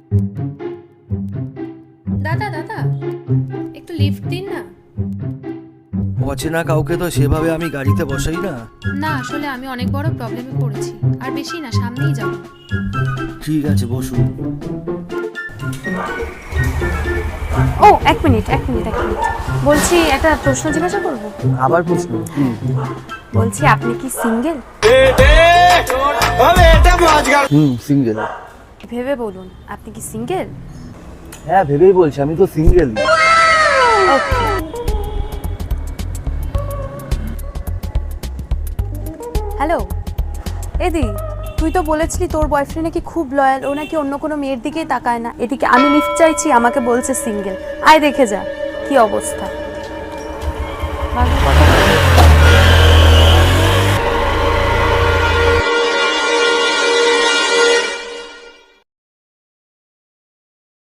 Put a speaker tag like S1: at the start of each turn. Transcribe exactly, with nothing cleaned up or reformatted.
S1: দাদা দাদা একটু লিফট দিন না।
S2: অচেনা কাউকে তো সেভাবে আমি গাড়িতে বসাই না।
S1: না আসলে আমি অনেক বড় প্রবলেমে পড়েছি, আর বেশি না, সামনেই যাব।
S2: ঠিক আছে বসুন।
S3: ও এক মিনিট এক মিনিট এক মিনিট বলছি একটা প্রশ্ন জিজ্ঞাসা করব।
S2: আবার প্রশ্ন?
S3: বলছি আপনি কি সিঙ্গেল?
S2: হুম সিঙ্গেল।
S3: ভেবে বলুন, আপনি কি সিঙ্গেল?
S2: হ্যাঁ ভেবেই বলছি, আমি তো সিঙ্গেল।
S3: হ্যালো এদি, তুই তো বলেছিলি তোর বয়ফ্রেন্ড নাকি খুব লয়াল, ও নাকি অন্য কোনো মেয়ের দিকেই তাকায় না। এদিকে আমি লিফট চাইছি, আমাকে বলছে সিঙ্গেল। আয় দেখে যা কি অবস্থা। ভালো কথা।